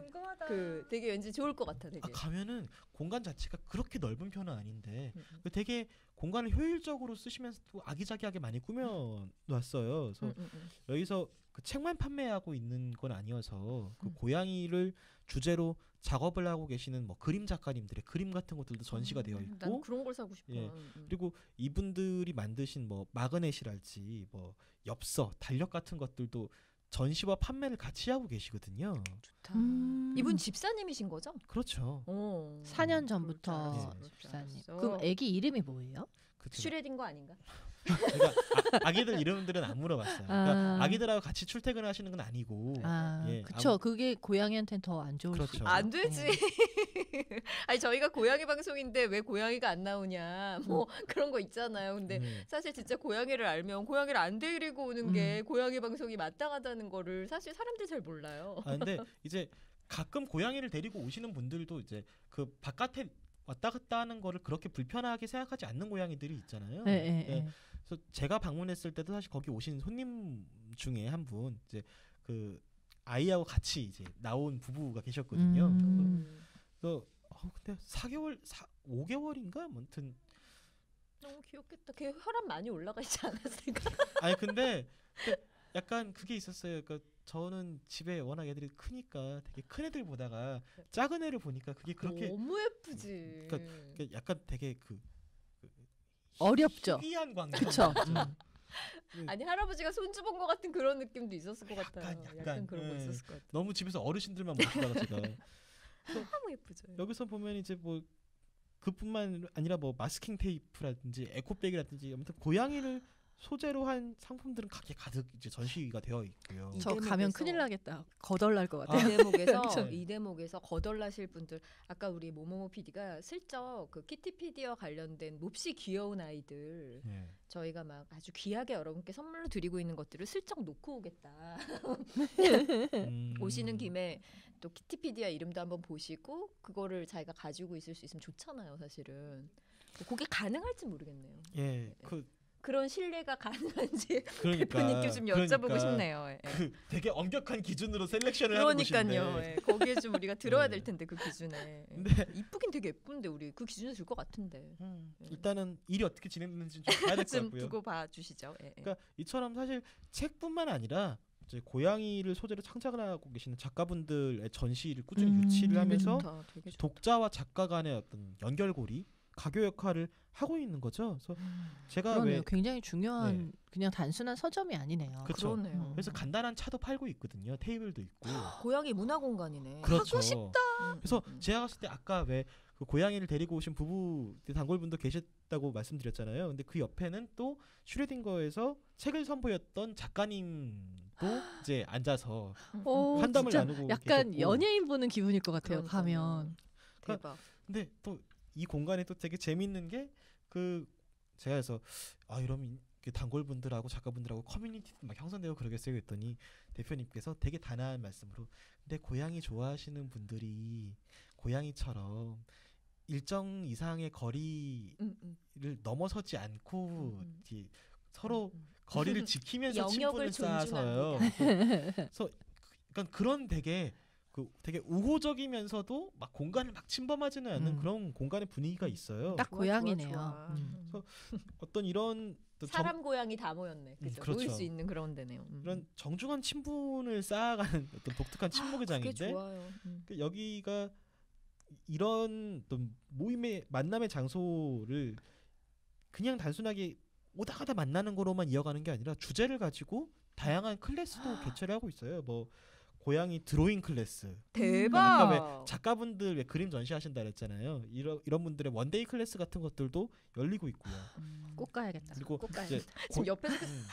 [SPEAKER 2] 그 되게 왠지 좋을 것 같아 되게.
[SPEAKER 1] 아, 가면은 공간 자체가 그렇게 넓은 편은 아닌데
[SPEAKER 2] 음, 음.
[SPEAKER 1] 그 되게 공간을 효율적으로 쓰시면서도 아기자기하게 많이 꾸며놨어요. 그래서
[SPEAKER 2] 음, 음, 음.
[SPEAKER 1] 여기서 그 책만 판매하고 있는 건 아니어서 그
[SPEAKER 2] 음.
[SPEAKER 1] 고양이를 주제로 작업을 하고 계시는 뭐 그림 작가님들의 그림 같은 것들도 전시가 되어
[SPEAKER 2] 음, 난
[SPEAKER 1] 있고
[SPEAKER 2] 그런 걸 사고 싶어.
[SPEAKER 1] 예.
[SPEAKER 2] 음, 음.
[SPEAKER 1] 그리고 이분들이 만드신 뭐 마그넷이랄지 뭐 엽서, 달력 같은 것들도 전시와 판매를 같이 하고 계시거든요.
[SPEAKER 2] 좋다.
[SPEAKER 3] 음.
[SPEAKER 2] 이분 집사님이신 거죠?
[SPEAKER 1] 그렇죠.
[SPEAKER 2] 어.
[SPEAKER 3] 사 년
[SPEAKER 2] 그럴 줄
[SPEAKER 3] 전부터
[SPEAKER 2] 알았어,
[SPEAKER 1] 예.
[SPEAKER 2] 그럴 줄
[SPEAKER 3] 집사님.
[SPEAKER 2] 알았어.
[SPEAKER 3] 그럼 아기 이름이 뭐예요?
[SPEAKER 1] 그 제가-
[SPEAKER 2] 슈레딩거 아닌가?
[SPEAKER 1] 제가 아, 아기들 이름들은 안 물어봤어요. 그러니까
[SPEAKER 3] 아.
[SPEAKER 1] 아기들하고 같이 출퇴근을 하시는 건 아니고.
[SPEAKER 3] 아,
[SPEAKER 1] 예,
[SPEAKER 3] 그쵸.
[SPEAKER 1] 아무-
[SPEAKER 3] 그게 고양이한테는 더 안 좋을
[SPEAKER 1] 그렇죠.
[SPEAKER 3] 수 있죠.
[SPEAKER 2] 안 되지.
[SPEAKER 3] 네.
[SPEAKER 2] 아니 저희가 고양이 방송인데 왜 고양이가 안 나오냐 뭐 그런 거 있잖아요. 근데
[SPEAKER 1] 음.
[SPEAKER 2] 사실 진짜 고양이를 알면 고양이를 안 데리고 오는 게 고양이 방송이 마땅하다는 거를 사실 사람들이 잘 몰라요.
[SPEAKER 1] 아 근데 이제 가끔 고양이를 데리고 오시는 분들도 이제 그 바깥에 왔다 갔다 하는 거를 그렇게 불편하게 생각하지 않는 고양이들이 있잖아요.
[SPEAKER 3] 네, 네,
[SPEAKER 1] 예.
[SPEAKER 3] 네.
[SPEAKER 1] 그래서 제가 방문했을 때도 사실 거기 오신 손님 중에 한 분 이제 그 아이하고 같이 이제 나온 부부가 계셨거든요.
[SPEAKER 3] 음.
[SPEAKER 2] 음.
[SPEAKER 1] 그래서 어, 근데 사 개월, 사, 오 개월인가? 아무튼
[SPEAKER 2] 너무 귀엽겠다. 걔 혈압 많이 올라가 있지 않았을까?
[SPEAKER 1] 아니 근데, 근데 약간 그게 있었어요. 그러니까 저는 집에 워낙 애들이 크니까 되게 큰 애들 보다가 작은 애를 보니까 그게 그렇게
[SPEAKER 2] 너무 예쁘지.
[SPEAKER 1] 그러니까 약간 되게 그, 그
[SPEAKER 3] 어렵죠.
[SPEAKER 1] 희귀한 광경.
[SPEAKER 3] 그쵸. 음.
[SPEAKER 2] 아니 할아버지가 손주 본 것 같은 그런 느낌도 있었을 것 같아요.
[SPEAKER 1] 약간,
[SPEAKER 2] 약간,
[SPEAKER 1] 약간,
[SPEAKER 2] 그런 거
[SPEAKER 1] 예.
[SPEAKER 2] 있었을 것 같아요.
[SPEAKER 1] 너무 집에서 어르신들만 모시다가 제가
[SPEAKER 2] 너무 예쁘죠.
[SPEAKER 1] 여기서 보면 이제 뭐 그뿐만 아니라 뭐 마스킹 테이프라든지 에코백이라든지 아무튼 고양이를 소재로 한 상품들은 가게 가득 이제 전시가 되어 있고요.
[SPEAKER 2] 이
[SPEAKER 3] 저 가면
[SPEAKER 2] 대목에서-
[SPEAKER 3] 큰일 나겠다. 거덜날 것
[SPEAKER 2] 이
[SPEAKER 3] 같아요.
[SPEAKER 2] 대목에서
[SPEAKER 1] 그쵸.
[SPEAKER 2] 이 대목에서 거덜나실 분들 아까 우리 모모모 피디가 슬쩍 그 키티피디와 관련된 몹시 귀여운 아이들
[SPEAKER 1] 예.
[SPEAKER 2] 저희가 막 아주 귀하게 여러분께 선물로 드리고 있는 것들을 슬쩍 놓고 오겠다.
[SPEAKER 1] 음.
[SPEAKER 2] 오시는 김에 또 키티피디아 이름도 한번 보시고 그거를 자기가 가지고 있을 수 있으면 좋잖아요, 사실은. 그게 가능할지 모르겠네요.
[SPEAKER 1] 예, 그
[SPEAKER 2] 그런 신뢰가 가능한지
[SPEAKER 1] 그러니까
[SPEAKER 2] 대표님께 좀 여쭤보고
[SPEAKER 1] 그러니까
[SPEAKER 2] 싶네요. 예.
[SPEAKER 1] 그 되게 엄격한 기준으로 셀렉션을 하는
[SPEAKER 2] 그러니까요.
[SPEAKER 1] 곳인데.
[SPEAKER 2] 예. 거기에 좀 우리가 들어야
[SPEAKER 1] 네.
[SPEAKER 2] 될 텐데 그 기준에. 예.
[SPEAKER 1] 근데
[SPEAKER 2] 이쁘긴 되게 예쁜데 우리 그 기준에 들 것 같은데.
[SPEAKER 1] 음,
[SPEAKER 2] 예.
[SPEAKER 1] 일단은 일이 어떻게 진행되는지 좀 봐야 될 것
[SPEAKER 2] 좀
[SPEAKER 1] 같고요.
[SPEAKER 2] 두고 봐 주시죠. 예, 예.
[SPEAKER 1] 그러니까 이처럼 사실 책뿐만 아니라 이제 고양이를 소재로 창작을 하고 계시는 작가분들의 전시를 꾸준히
[SPEAKER 3] 음,
[SPEAKER 1] 유치를
[SPEAKER 3] 되게
[SPEAKER 1] 하면서
[SPEAKER 2] 좋다. 되게 좋다.
[SPEAKER 1] 독자와 작가 간의 어떤 연결고리, 가교 역할을 하고 있는 거죠. 그래서 제가
[SPEAKER 3] 그러네요.
[SPEAKER 1] 왜
[SPEAKER 3] 굉장히 중요한
[SPEAKER 1] 네.
[SPEAKER 3] 그냥 단순한 서점이 아니네요.
[SPEAKER 1] 그쵸.
[SPEAKER 2] 그러네요.
[SPEAKER 3] 음.
[SPEAKER 1] 그래서 간단한 차도 팔고 있거든요. 테이블도 있고.
[SPEAKER 2] 고양이 문화 공간이네.
[SPEAKER 1] 그렇죠.
[SPEAKER 2] 하고 싶다. 음,
[SPEAKER 1] 그래서
[SPEAKER 2] 음, 음.
[SPEAKER 1] 제가 갔을 때 아까 왜 그 고양이를 데리고 오신 부부 단골분도 계셨다고 말씀드렸잖아요. 근데 그 옆에는 또 슈레딩거에서 책을 선보였던 작가님도 이제 앉아서
[SPEAKER 3] 오,
[SPEAKER 1] 한담을
[SPEAKER 3] 진짜
[SPEAKER 1] 나누고
[SPEAKER 3] 약간
[SPEAKER 1] 계셨고.
[SPEAKER 3] 연예인 보는 기분일 것 같아요.
[SPEAKER 2] 그러니까요.
[SPEAKER 3] 가면.
[SPEAKER 2] 대박.
[SPEAKER 1] 근데 또 이 공간에 또 되게 재밌는 게 그 제가 그래서 아 이러면 그 단골분들하고 작가분들하고 커뮤니티도 막 형성되고 그러겠어요 했더니 대표님께서 되게 단아한 말씀으로 근데 고양이 좋아하시는 분들이 고양이처럼 일정 이상의 거리를
[SPEAKER 2] 음, 음,
[SPEAKER 1] 넘어서지 않고
[SPEAKER 2] 음, 음.
[SPEAKER 1] 이렇게 서로
[SPEAKER 2] 음.
[SPEAKER 1] 거리를 지키면서
[SPEAKER 2] 영역을
[SPEAKER 1] 친분을 쌓아서요.
[SPEAKER 2] 존중합니다.
[SPEAKER 1] 그래서 그러니까 그런 되게 그 되게 우호적이면서도 막 공간을 막 침범하지는 않는
[SPEAKER 3] 음.
[SPEAKER 1] 그런 공간의 분위기가 있어요.
[SPEAKER 3] 딱
[SPEAKER 2] 좋아,
[SPEAKER 3] 고양이네요.
[SPEAKER 2] 좋아, 좋아.
[SPEAKER 3] 음.
[SPEAKER 2] 음.
[SPEAKER 1] 어떤 이런 또 정,
[SPEAKER 2] 사람 고양이 다 모였네. 그죠?
[SPEAKER 1] 그렇죠.
[SPEAKER 2] 모일 수 있는 그런 데네요. 음.
[SPEAKER 1] 이런 정중한 친분을 쌓아가는 어떤 독특한 친목의
[SPEAKER 2] 그게
[SPEAKER 1] 장인데
[SPEAKER 2] 좋아요. 음.
[SPEAKER 1] 그 여기가 이런 어떤 모임의 만남의 장소를 그냥 단순하게 오다 가다 만나는 거로만 이어가는 게 아니라 주제를 가지고 다양한 클래스도 개최를 하고 있어요. 뭐 고양이 드로잉 클래스,
[SPEAKER 2] 대박.
[SPEAKER 1] 아까 왜 작가분들 왜 그림 전시하신다 그랬잖아요. 이런 이런 분들의 원데이 클래스 같은 것들도 열리고 있고요.
[SPEAKER 2] 음.
[SPEAKER 3] 꼭 가야겠다.
[SPEAKER 1] 그리고
[SPEAKER 2] 꼭
[SPEAKER 1] 이제
[SPEAKER 2] 지금
[SPEAKER 1] 고-
[SPEAKER 2] 옆에서
[SPEAKER 1] 음,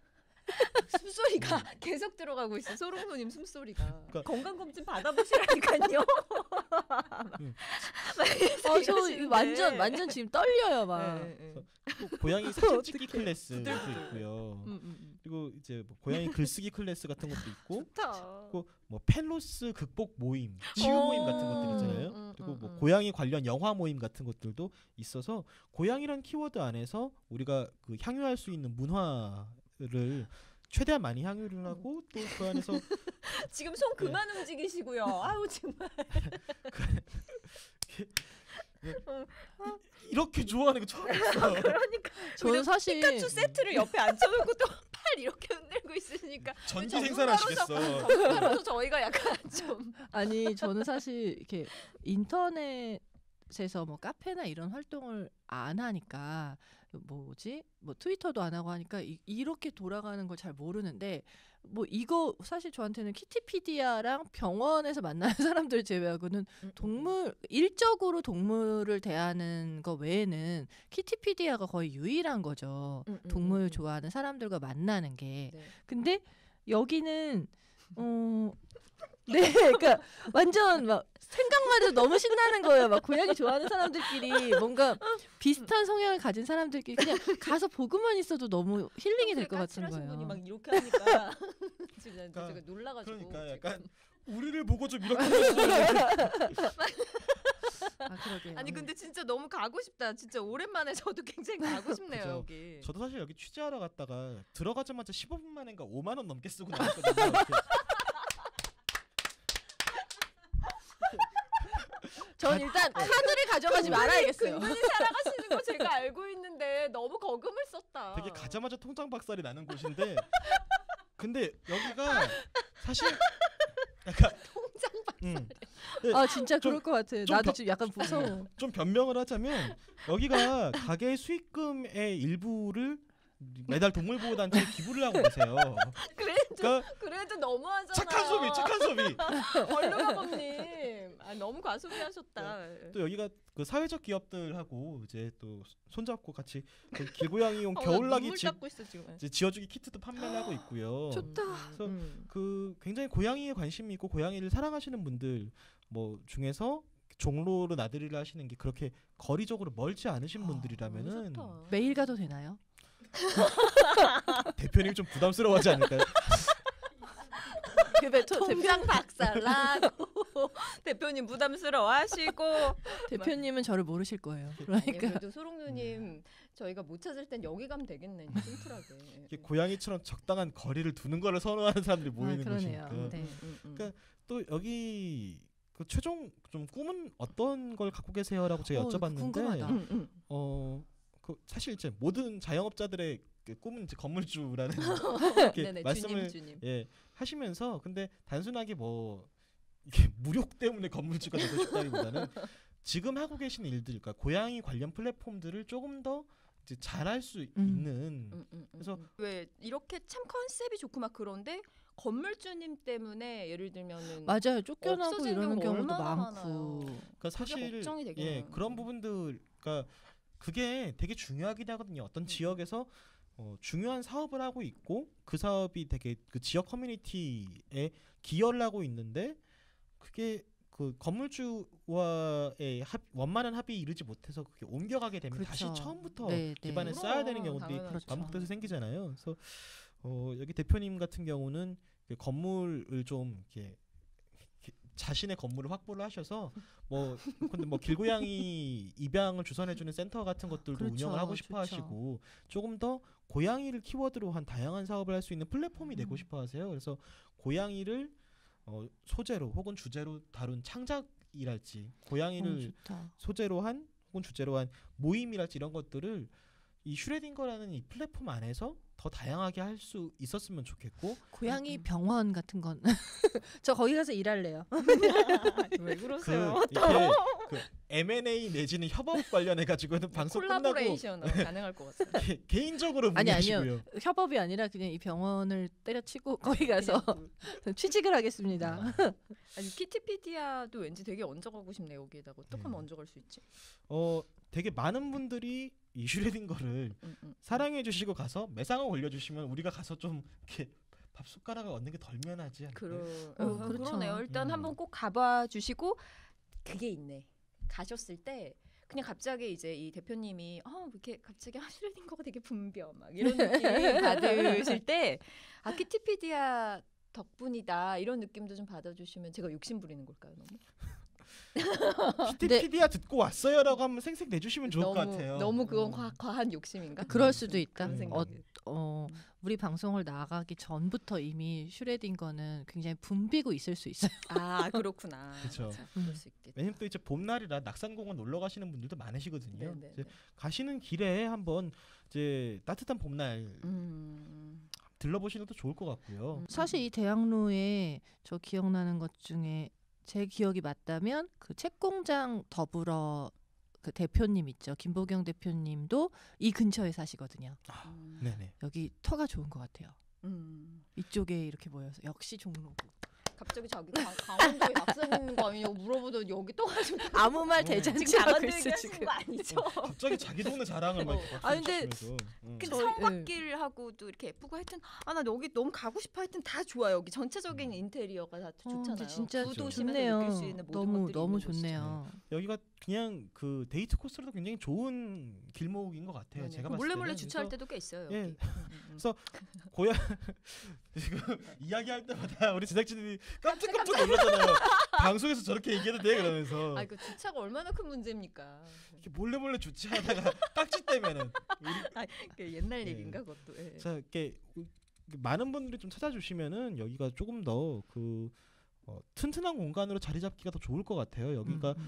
[SPEAKER 2] 숨소리가 계속 들어가고 있어. 소롱노님 숨소리가.
[SPEAKER 1] 그러니까-
[SPEAKER 2] 건강검진 받아보시라니까요.
[SPEAKER 1] 음.
[SPEAKER 3] 어, 저 완전 완전 지금 떨려요, 막.
[SPEAKER 2] 네, 네.
[SPEAKER 1] 또 고양이 사진 찍기
[SPEAKER 3] 어떡해.
[SPEAKER 1] 클래스도
[SPEAKER 2] 부들부들.
[SPEAKER 1] 있고요.
[SPEAKER 2] 음, 음, 음.
[SPEAKER 1] 그리고 이제 뭐 고양이 글쓰기 클래스 같은 것도 있고
[SPEAKER 2] 좋다.
[SPEAKER 1] 그리고 뭐 펠로스 극복 모임, 치유
[SPEAKER 2] 어.
[SPEAKER 1] 모임 같은 것들 있잖아요.
[SPEAKER 2] 음,
[SPEAKER 1] 그리고
[SPEAKER 2] 음,
[SPEAKER 1] 뭐
[SPEAKER 2] 음.
[SPEAKER 1] 고양이 관련 영화 모임 같은 것들도 있어서 고양이란 키워드 안에서 우리가 그 향유할 수 있는 문화를 최대한 많이 향유를 하고 또 그 안에서
[SPEAKER 2] 지금 손 그만 움직이시고요. 아우 정말.
[SPEAKER 1] 이렇게 좋아하는 거 처음 봤어.
[SPEAKER 2] 그러니까
[SPEAKER 3] 저는 사실
[SPEAKER 2] 피카츄 세트를 옆에 앉혀놓고 또 팔 이렇게 흔들고 있으니까
[SPEAKER 1] 전기
[SPEAKER 2] 전문가로서-
[SPEAKER 1] 생산하시겠어.
[SPEAKER 2] 전문가로서 저희가 약간 좀
[SPEAKER 3] 아니 저는 사실 이렇게 인터넷에서 뭐 카페나 이런 활동을 안 하니까 뭐지 뭐 트위터도 안 하고 하니까 이, 이렇게 돌아가는 걸 잘 모르는데 뭐 이거 사실 저한테는 키티피디아랑 병원에서 만나는 사람들 제외하고는 동물 일적으로 동물을 대하는 거 외에는 키티피디아가 거의 유일한 거죠.
[SPEAKER 2] 음, 음,
[SPEAKER 3] 동물
[SPEAKER 2] 음, 음.
[SPEAKER 3] 좋아하는 사람들과 만나는 게.
[SPEAKER 2] 네.
[SPEAKER 3] 근데 여기는 어 네, 그러니까 완전 막 생각만 해도 너무 신나는 거예요. 막 고양이 좋아하는 사람들끼리 뭔가 비슷한 성향을 가진 사람들끼리 그냥 가서 보고만 있어도 너무 힐링이 될 것 같은
[SPEAKER 2] 까칠하신 분이 막
[SPEAKER 3] 거예요.
[SPEAKER 2] 이렇게 하니까 진짜
[SPEAKER 1] 그러니까-
[SPEAKER 2] 제가 놀라가지고
[SPEAKER 1] 그러니까
[SPEAKER 2] 지금.
[SPEAKER 1] 약간 우리를 보고 좀 이렇게 해주세요.
[SPEAKER 3] 아 그러게요.
[SPEAKER 2] 아니 근데 진짜 너무 가고 싶다. 진짜 오랜만에 저도 굉장히 가고 싶네요
[SPEAKER 1] 그죠.
[SPEAKER 2] 여기.
[SPEAKER 1] 저도 사실 여기 취재하러 갔다가 들어가자마자 십오 분 만인가 오만 원 넘게 쓰고 나왔거든요. 이렇게.
[SPEAKER 3] 전 일단 카드를 가져가지 말아야겠어요.
[SPEAKER 2] 근근히 살아가시는 거 제가 알고 있는데 너무 거금을 썼다.
[SPEAKER 1] 되게 가자마자 통장 박살이 나는 곳인데 근데 여기가 사실 약간
[SPEAKER 2] 통장 박살.
[SPEAKER 1] 음,
[SPEAKER 3] 아 진짜
[SPEAKER 1] 좀-
[SPEAKER 3] 그럴 것 같아.
[SPEAKER 1] 좀
[SPEAKER 3] 나도
[SPEAKER 1] 더-
[SPEAKER 3] 지금 약간 무서워.
[SPEAKER 1] 좀 변명을 하자면 여기가 가게 수익금의 일부를 매달 동물보호단체에 기부를 하고 계세요.
[SPEAKER 2] 그래도
[SPEAKER 1] 그러니까
[SPEAKER 2] 그래도 너무하잖아요.
[SPEAKER 1] 착한 소비, 착한 소비.
[SPEAKER 2] 얼루가범님, 아, 너무 과소비하셨다.
[SPEAKER 1] 또 여기가 그 사회적 기업들하고 이제 또 손잡고 같이 그 길고양이용
[SPEAKER 2] 어, 나
[SPEAKER 1] 겨울나기
[SPEAKER 2] 눈물
[SPEAKER 1] 집
[SPEAKER 2] 닦고 있어 지금.
[SPEAKER 1] 이제 지어주기 키트도 판매를 하고 있고요.
[SPEAKER 3] 좋다.
[SPEAKER 1] 그래서
[SPEAKER 2] 음.
[SPEAKER 1] 그 굉장히 고양이에 관심이 있고 고양이를 사랑하시는 분들 뭐 중에서 종로로 나들이를 하시는 게 그렇게 거리적으로 멀지 않으신
[SPEAKER 3] 아,
[SPEAKER 1] 분들이라면은
[SPEAKER 2] 너무 좋다.
[SPEAKER 3] 매일 가도 되나요?
[SPEAKER 1] 대표님 좀 부담스러워하지 않을까요?
[SPEAKER 3] 그 대-
[SPEAKER 2] 통장 박살나고 대표님 부담스러워하시고.
[SPEAKER 3] 대표님은 저를 모르실 거예요.
[SPEAKER 2] 아니,
[SPEAKER 3] 그러니까
[SPEAKER 2] 그래도 소롱누님 저희가 못 찾을 땐 여기 가면 되겠네. 심플하게.
[SPEAKER 1] 이렇게 고양이처럼 적당한 거리를 두는 거를 선호하는 사람들이 모이는
[SPEAKER 3] 아, 그러네요.
[SPEAKER 1] 곳이니까.
[SPEAKER 3] 네.
[SPEAKER 2] 음, 음, 음.
[SPEAKER 1] 그러니까 또 여기 그 최종 좀 꿈은 어떤 걸 갖고 계세요라고 제가
[SPEAKER 3] 어,
[SPEAKER 1] 여쭤봤는데
[SPEAKER 3] 궁금하다.
[SPEAKER 2] 음, 음.
[SPEAKER 1] 어, 그 사실 이제 모든 자영업자들의 그 꿈은 이제 건물주라는 이렇게
[SPEAKER 2] 네네,
[SPEAKER 1] 말씀을
[SPEAKER 2] 주님, 주님.
[SPEAKER 1] 예 하시면서 근데 단순하게 뭐 이게 무력 때문에 건물주가 되고 싶다기보다는 지금 하고 계신 일들, 그러니까 고양이 관련 플랫폼들을 조금 더 이제 잘할 수
[SPEAKER 3] 음.
[SPEAKER 1] 있는
[SPEAKER 2] 음, 음, 음,
[SPEAKER 1] 그래서
[SPEAKER 2] 음. 왜 이렇게 참 컨셉이 좋고 막 그런데 건물주님 때문에 예를 들면은
[SPEAKER 3] 맞아요. 쫓겨나고
[SPEAKER 2] 없어진
[SPEAKER 3] 이러는
[SPEAKER 2] 경우
[SPEAKER 3] 경우도
[SPEAKER 2] 얼마나
[SPEAKER 3] 많고.
[SPEAKER 2] 많아요.
[SPEAKER 1] 그러니까 사실
[SPEAKER 2] 걱정이 되긴
[SPEAKER 1] 예
[SPEAKER 2] 해요.
[SPEAKER 1] 그런 부분들 그러니까 그게 되게 중요하긴 하거든요. 어떤
[SPEAKER 2] 음.
[SPEAKER 1] 지역에서 어, 중요한 사업을 하고 있고 그 사업이 되게 그 지역 커뮤니티에 기여를 하고 있는데 그게 그 건물주와의 합, 원만한 합의에 이르지 못해서 그게 옮겨가게 되면 다시
[SPEAKER 3] 그렇죠.
[SPEAKER 1] 처음부터
[SPEAKER 3] 네, 네.
[SPEAKER 1] 기반을
[SPEAKER 2] 그럼,
[SPEAKER 1] 쌓아야 되는 경우들이
[SPEAKER 2] 당연하죠.
[SPEAKER 3] 그렇죠.
[SPEAKER 1] 반복돼서 생기잖아요. 그래서 어, 여기 대표님 같은 경우는 그 건물을 좀 이렇게 이렇게 자신의 건물을 확보를 하셔서 뭐 근데 뭐 길고양이 입양을 주선해주는 센터 같은 것들도
[SPEAKER 3] 그렇죠.
[SPEAKER 1] 운영을 하고
[SPEAKER 3] 좋죠.
[SPEAKER 1] 싶어하시고 조금 더 고양이를 키워드로 한 다양한 사업을 할 수 있는 플랫폼이 되고
[SPEAKER 3] 음.
[SPEAKER 1] 싶어하세요. 그래서 고양이를 어, 소재로 혹은 주제로 다룬 창작이랄지 고양이를
[SPEAKER 3] 어, 좋다.
[SPEAKER 1] 소재로 한 혹은 주제로 한 모임이랄지 이런 것들을 이 슈레딩거라는 이 플랫폼 안에서 더 다양하게 할 수 있었으면 좋겠고
[SPEAKER 3] 고양이
[SPEAKER 2] 음.
[SPEAKER 3] 병원 같은 건 저 거기 가서 일할래요.
[SPEAKER 2] 왜
[SPEAKER 1] 그
[SPEAKER 2] 그러세요?
[SPEAKER 1] 이렇게 그 엠 앤 에이 내지는 협업 관련해 가지고는 방송 끝나고
[SPEAKER 2] 콜라보레이션 가능할 것 같아요.
[SPEAKER 1] 개- 개인적으로
[SPEAKER 3] 아니,
[SPEAKER 1] 문의하시고요.
[SPEAKER 3] 아니요. 협업이 아니라 그냥 이 병원을 때려치고 거기 가서
[SPEAKER 2] 그냥 그-
[SPEAKER 3] 취직을 하겠습니다.
[SPEAKER 2] 아니 키티피디아도 왠지 되게 얹어가고 싶네 여기에다가 어떻게 하면
[SPEAKER 1] 음.
[SPEAKER 2] 얹어갈 수 있지?
[SPEAKER 1] 어 되게 많은 분들이 이 슈레딩거를
[SPEAKER 2] 음, 음.
[SPEAKER 1] 사랑해 주시고 가서 매상을 올려주시면 우리가 가서 좀 이렇게 밥 숟가락을 얻는 게 덜 면하지 않을까요?
[SPEAKER 2] 그러,
[SPEAKER 3] 어,
[SPEAKER 2] 어,
[SPEAKER 3] 그렇죠.
[SPEAKER 2] 그러네요. 일단
[SPEAKER 1] 음.
[SPEAKER 2] 한번 꼭 가봐 주시고 그게 있네. 가셨을 때 그냥 갑자기 이제 이 대표님이 어 이렇게 갑자기 하시려는 거가 되게 붐벼 막 이런 느낌 받으실 때 아 키티피디아 덕분이다 이런 느낌도 좀 받아주시면 제가 욕심 부리는 걸까요 너무?
[SPEAKER 1] 키티피디아 듣고 왔어요라고 한번 생색 내주시면 좋을
[SPEAKER 2] 너무
[SPEAKER 1] 것 같아요.
[SPEAKER 2] 너무 그건
[SPEAKER 1] 음.
[SPEAKER 2] 과, 과한 욕심인가?
[SPEAKER 3] 그럴 수도 있다.
[SPEAKER 2] 그런
[SPEAKER 1] 음.
[SPEAKER 2] 생각이.
[SPEAKER 3] 어,
[SPEAKER 2] 음.
[SPEAKER 3] 우리 방송을 나가기 전부터 이미 슈레딩거는 굉장히 붐비고 있을 수 있어요.
[SPEAKER 2] 아 그렇구나.
[SPEAKER 1] 그쵸.
[SPEAKER 2] 자, 그럴 수 있겠다.
[SPEAKER 1] 왜냐면 또 이제 봄날이라 낙산공원 놀러 가시는 분들도 많으시거든요.
[SPEAKER 2] 네, 네,
[SPEAKER 1] 이제
[SPEAKER 2] 네.
[SPEAKER 1] 가시는 길에 한번 이제 따뜻한 봄날
[SPEAKER 2] 음.
[SPEAKER 1] 들러보시는 것도 좋을 것 같고요.
[SPEAKER 2] 음.
[SPEAKER 3] 사실 이 대학로에 저 기억나는 것 중에 제 기억이 맞다면 그 책공장 더불어 그 대표님 있죠. 김보경 대표님도 이 근처에 사시거든요.
[SPEAKER 1] 아,
[SPEAKER 2] 음.
[SPEAKER 1] 네네.
[SPEAKER 3] 여기 터가 좋은 것 같아요.
[SPEAKER 2] 음.
[SPEAKER 3] 이쪽에 이렇게 모여서 역시 종로구.
[SPEAKER 2] 갑자기 자기 강, 강원도에 낙서는 거 아니냐고 물어보더니 여기 또 가지고
[SPEAKER 3] 아무 말
[SPEAKER 1] 어.
[SPEAKER 3] 대잔치
[SPEAKER 2] 지금
[SPEAKER 3] 하고
[SPEAKER 2] 강원도
[SPEAKER 3] 있어
[SPEAKER 2] 얘기하시는
[SPEAKER 3] 지금.
[SPEAKER 2] 거 아니죠?
[SPEAKER 1] 갑자기 자기 동네 자랑을 막 이렇게
[SPEAKER 2] 아, 근데
[SPEAKER 1] 박수치면서. 음.
[SPEAKER 2] 근데
[SPEAKER 3] 저희-
[SPEAKER 2] 성곽길하고도 이렇게 예쁘고 하여튼 아 나 여기 너무 가고 싶어 하여튼 다 좋아 여기 전체적인
[SPEAKER 1] 음.
[SPEAKER 2] 인테리어가 다
[SPEAKER 3] 어,
[SPEAKER 2] 좋잖아요.
[SPEAKER 3] 근데 진짜
[SPEAKER 2] 구도심에서
[SPEAKER 3] 좋네요.
[SPEAKER 2] 느낄 수 있는 모든
[SPEAKER 3] 너무
[SPEAKER 2] 것들이
[SPEAKER 3] 너무
[SPEAKER 2] 있는 곳이죠.
[SPEAKER 3] 좋네요.
[SPEAKER 1] 여기가 그냥 그 데이트 코스로도 굉장히 좋은 길목인 것 같아요.
[SPEAKER 2] 네네.
[SPEAKER 1] 제가
[SPEAKER 2] 그
[SPEAKER 1] 봤을
[SPEAKER 2] 몰래
[SPEAKER 1] 때는.
[SPEAKER 2] 몰래 주차할
[SPEAKER 1] 그래서
[SPEAKER 2] 때도 꽤 있어요. 여기.
[SPEAKER 1] 예.
[SPEAKER 2] 음, 음, 음.
[SPEAKER 1] 그래서 고양 지금 이야기할 때마다 우리 제작진이 깜짝깜짝 놀랐잖아요. 방송에서 저렇게 얘기해도 돼 그러면서
[SPEAKER 2] 아, 그 주차가 얼마나 큰 문제입니까?
[SPEAKER 1] 이렇게 몰래 몰래 주차하다가 딱지 떼면은
[SPEAKER 2] 그 옛날
[SPEAKER 1] 네.
[SPEAKER 2] 얘기인가 그것도. 예.
[SPEAKER 1] 자 이렇게 많은 분들이 좀 찾아주시면은 여기가 조금 더 그 어, 튼튼한 공간으로 자리 잡기가 더 좋을 것 같아요. 여기가
[SPEAKER 3] 음, 음.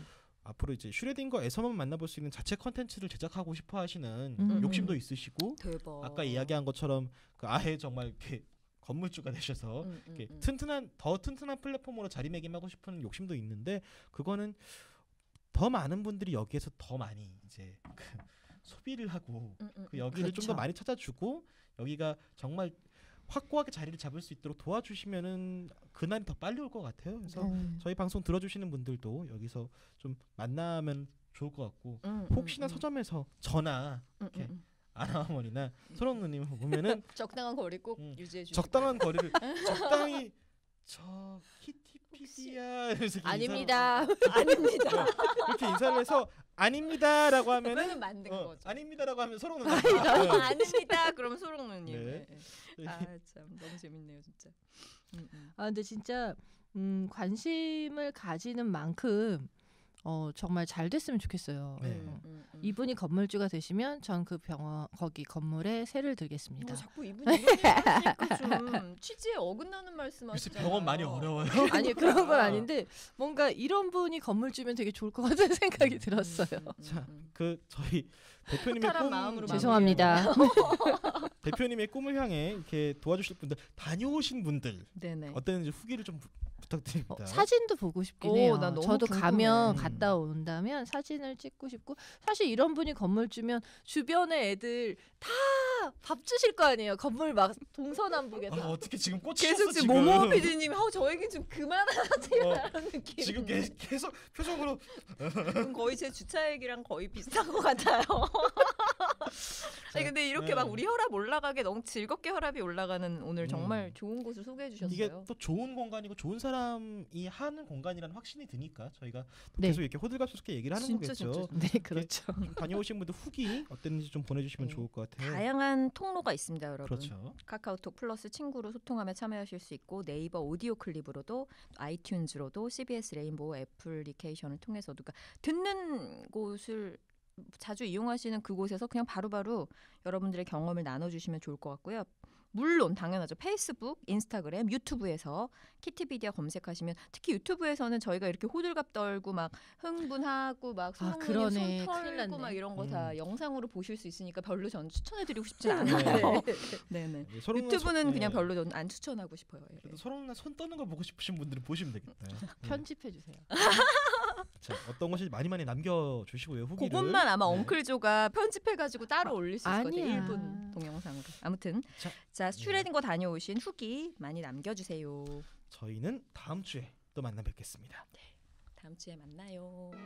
[SPEAKER 1] 앞으로 이제 슈레딩거에서만 만나볼 수 있는 자체 컨텐츠를 제작하고 싶어 하시는
[SPEAKER 3] 음.
[SPEAKER 1] 욕심도 있으시고
[SPEAKER 2] 대박.
[SPEAKER 1] 아까 이야기한 것처럼 그 아예 정말 이렇게 건물주가 되셔서
[SPEAKER 2] 음, 음,
[SPEAKER 1] 이렇게
[SPEAKER 2] 음.
[SPEAKER 1] 튼튼한 더 튼튼한 플랫폼으로 자리매김하고 싶은 욕심도 있는데 그거는 더 많은 분들이 여기에서 더 많이 이제 그 소비를 하고
[SPEAKER 2] 음, 음,
[SPEAKER 1] 그 여기를 좀 더
[SPEAKER 3] 그렇죠.
[SPEAKER 1] 많이 찾아주고 여기가 정말 확고하게 자리를 잡을 수 있도록 도와주시면은 그날이 더 빨리 올 것 같아요. 그래서
[SPEAKER 3] 음.
[SPEAKER 1] 저희 방송 들어주시는 분들도 여기서 좀 만나면 좋을 것 같고
[SPEAKER 2] 음,
[SPEAKER 1] 혹시나
[SPEAKER 2] 음,
[SPEAKER 1] 서점에서 저나
[SPEAKER 2] 음,
[SPEAKER 1] 이렇게
[SPEAKER 2] 음, 음.
[SPEAKER 1] 아나어머니나 소롱 누님 보면은
[SPEAKER 2] 적당한 거리 꼭
[SPEAKER 1] 음,
[SPEAKER 2] 유지해 주시고.
[SPEAKER 1] 적당한 거리를 적당히 저 키티피디야 이러면서 이렇게
[SPEAKER 3] 아닙니다.
[SPEAKER 2] 아닙니다.
[SPEAKER 1] 인사를, 이렇게 인사를 해서 아닙니다라고 하면은
[SPEAKER 2] 그러면 만든
[SPEAKER 1] 어,
[SPEAKER 2] 거죠.
[SPEAKER 1] 아닙니다라고 하면 서롱 누님
[SPEAKER 2] 아, 아닙니다. 그럼 소롱 누님.
[SPEAKER 1] 네.
[SPEAKER 2] 네. 아참 너무 재밌네요 진짜. 음, 음.
[SPEAKER 3] 아 근데 진짜 음, 관심을 가지는 만큼 어, 정말 잘 됐으면 좋겠어요.
[SPEAKER 1] 네.
[SPEAKER 2] 음, 음, 음.
[SPEAKER 3] 이분이 건물주가 되시면 전 그 병원 거기 건물에 세를 들겠습니다.
[SPEAKER 2] 뭐 자꾸 이분 이런 얘기하시니까 좀 취지에 어긋나는
[SPEAKER 1] 글쎄
[SPEAKER 2] 말씀하시잖아요.
[SPEAKER 1] 병원 많이 어려워요.
[SPEAKER 3] 아니 그런 건 아닌데 뭔가 이런 분이 건물주면 되게 좋을 것 같은 생각이 들었어요.
[SPEAKER 1] 자, 그 저희 대표님의
[SPEAKER 2] 허탈한
[SPEAKER 1] 꿈
[SPEAKER 2] 마음으로
[SPEAKER 3] 죄송합니다.
[SPEAKER 1] 대표님의 꿈을 향해 이렇게 도와주실 분들 다녀오신 분들
[SPEAKER 2] 네네.
[SPEAKER 1] 어땠는지 후기를 좀 부, 부탁드립니다.
[SPEAKER 3] 어, 사진도 보고 싶긴
[SPEAKER 2] 오,
[SPEAKER 3] 해요.
[SPEAKER 2] 나 너무
[SPEAKER 3] 저도
[SPEAKER 2] 궁금해.
[SPEAKER 3] 가면
[SPEAKER 1] 음.
[SPEAKER 3] 갔다 온다면 사진을 찍고 싶고 사실 이런 분이 건물 주면 주변에 애들 다 밥 주실 거 아니에요. 건물 막 동서남북에서.
[SPEAKER 1] 아, 어떻게 지금 꽂히셨어
[SPEAKER 2] 계속 지금 모모 피디님, 어, 저 얘기 좀 그만하세요라는 느낌.
[SPEAKER 1] 지금 계, 계속 표정으로
[SPEAKER 2] 거의 제 주차 얘기랑 거의 비슷한 것 같아요. 아니 근데 이렇게
[SPEAKER 1] 네.
[SPEAKER 2] 막 우리 혈압 올라가게 너무 즐겁게 혈압이 올라가는 오늘 정말
[SPEAKER 1] 음.
[SPEAKER 2] 좋은 곳을 소개해 주셨어요.
[SPEAKER 1] 이게 또 좋은 공간이고 좋은 사람이 하는 공간이라는 확신이 드니까 저희가 또
[SPEAKER 3] 네.
[SPEAKER 1] 계속 이렇게 호들갑스럽게 얘기를 하는
[SPEAKER 2] 진짜,
[SPEAKER 1] 거겠죠.
[SPEAKER 2] 진짜,
[SPEAKER 3] 네, 그렇죠.
[SPEAKER 1] 좀 다녀오신 분들 후기 어땠는지 좀 보내주시면
[SPEAKER 2] 네.
[SPEAKER 1] 좋을 것 같아요.
[SPEAKER 2] 다양한 통로가 있습니다, 여러분.
[SPEAKER 1] 그렇죠.
[SPEAKER 2] 카카오톡 플러스 친구로 소통하며 참여하실 수 있고 네이버 오디오 클립으로도 아이튠즈로도 씨비에스 레인보우 애플리케이션을 통해서도 그러니까 듣는 곳을 자주 이용하시는 그곳에서 그냥 바로바로 여러분들의 경험을 나눠주시면 좋을 것 같고요. 물론 당연하죠. 페이스북, 인스타그램, 유튜브에서 키티비디아 검색하시면 특히 유튜브에서는 저희가 이렇게 호들갑 떨고 막 흥분하고 막
[SPEAKER 3] 아,
[SPEAKER 2] 소롱님
[SPEAKER 3] 그러네.
[SPEAKER 2] 손
[SPEAKER 3] 큰일
[SPEAKER 2] 털고
[SPEAKER 3] 났네.
[SPEAKER 2] 막 이런 거 다
[SPEAKER 1] 음.
[SPEAKER 2] 영상으로 보실 수 있으니까 별로 전 추천해드리고 싶진
[SPEAKER 1] 네.
[SPEAKER 2] 않아요. 네네.
[SPEAKER 1] 네, 서로
[SPEAKER 2] 유튜브는
[SPEAKER 1] 손-
[SPEAKER 2] 그냥
[SPEAKER 1] 네.
[SPEAKER 2] 별로 저는 안 추천하고 싶어요. 예.
[SPEAKER 1] 그래도 서로나 손 떠는 걸 보고 싶으신 분들은 보시면 되겠다. 네.
[SPEAKER 3] 편집해 주세요.
[SPEAKER 1] 자, 어떤 것이 많이 많이 남겨주시고요. 후기를.
[SPEAKER 2] 그것만 아마
[SPEAKER 1] 네.
[SPEAKER 2] 엉클조가 편집해가지고 따로 올릴 수 있을 것 같아요.
[SPEAKER 3] 아니야.
[SPEAKER 2] 일 분 동영상으로. 아무튼
[SPEAKER 1] 자,
[SPEAKER 2] 자 슈레딩거 다녀오신 후기 많이 남겨주세요.
[SPEAKER 1] 저희는 다음 주에 또 만나 뵙겠습니다.
[SPEAKER 2] 다음 주에 만나요.